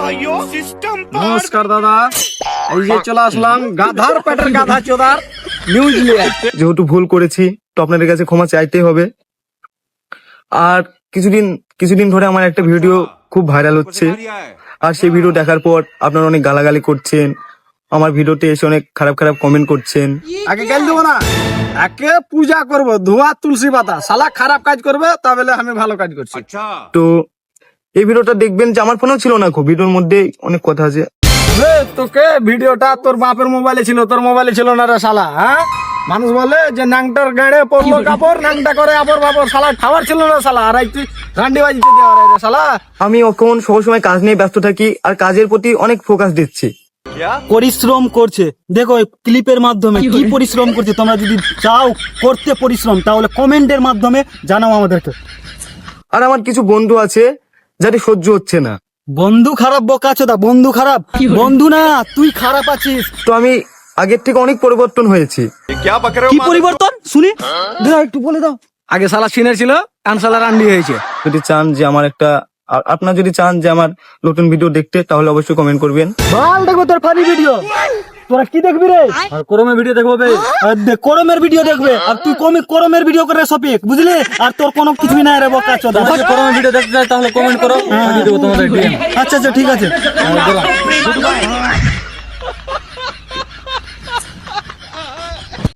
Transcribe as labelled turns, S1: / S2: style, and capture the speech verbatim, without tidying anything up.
S1: নমস্কার দাদা, এই যে চলে আসলাম গাধার পেটের গাধা চোদার নিউজ নিয়ে।
S2: যেহেতু ভুল করেছি তো আপনাদের কাছে ক্ষমা চাইতেই হবে। আর কিছুদিন কিছুদিন ধরে আমার একটা ভিডিও খুব ভাইরাল হচ্ছে, আর সেই ভিডিও দেখার পর আপনারা অনেক গালাগালি করছেন, আমার ভিডিওতে এসে অনেক খারাপ খারাপ কমেন্ট করছেন।
S1: আগে গেল দেবো না, একে পূজা করবো ধোয়া তুলসী পাতা। শালা খারাপ কাজ করবে তাহলে আমি ভালো কাজ করছি।
S2: তো এই ভিডিওটা দেখবেন যে আমার ফোনেও ছিল না, খুব ভিডিওর মধ্যে অনেক কথা আছে।
S1: রে, তোকে ভিডিওটা তোর বাপের মোবাইলে ছিল, তোর মোবাইলে ছিল না রে শালা। হ্যাঁ, মানুষ বলে যে নাংটার গাড়ে পড়লো কাপড়, নাংটা করে আপর বাপর। শালা খাবার ছিল না শালা, আর তুই রান্ডি বাজিতে দেওয়া রে শালা।
S2: আমি এখন সবসময় কাজ নিয়ে ব্যস্ত থাকি আর কাজের প্রতি অনেক ফোকাস দিচ্ছি।
S3: পরিশ্রম করছে, দেখো এই ক্লিপের মাধ্যমে কি পরিশ্রম করছে। তোমরা যদি চাও করতে পরিশ্রম, তাহলে কমেন্টের মাধ্যমে জানাও আমাদেরকে।
S2: আর আমার কিছু বন্ধু আছে যাতে সহ্য হচ্ছে না।
S3: বন্ধু খারাপ বোকাচোদা, বন্ধু খারাপ, বন্ধু না তুই খারাপ আছিস।
S2: তো আমি আগের থেকে অনেক পরিবর্তন হয়েছি।
S3: কি পরিবর্তন শুনি, দাও একটু বলে দাও।
S1: আগে শালা সিনের ছিল, এখন শালা রান্ডি হয়েছে।
S2: যদি চান যে আমার একটা আ- আপনারা যদি চান যে আমার নতুন ভিডিও দেখতে, তাহলে অবশ্যই কমেন্ট করবেন।
S3: ভাল দেখবো তোর ফানি ভিডিও। তোরা কি দেখবি রে? আর করমের ভিডিও দেখবো বে। আর দে- করমের ভিডিও দেখবে, আর তুই কমে করমের ভিডিও করে সপিক, বুঝলি? আর তোর কোনো কিছুই নাই রে বোকাচোদা।
S1: করোনা ভিডিও দেখতে চাই তাহলে কমেন্ট করো, আমি দেবো তোমাদের ডিএম।
S3: আচ্ছা আচ্ছা ঠিক আছে।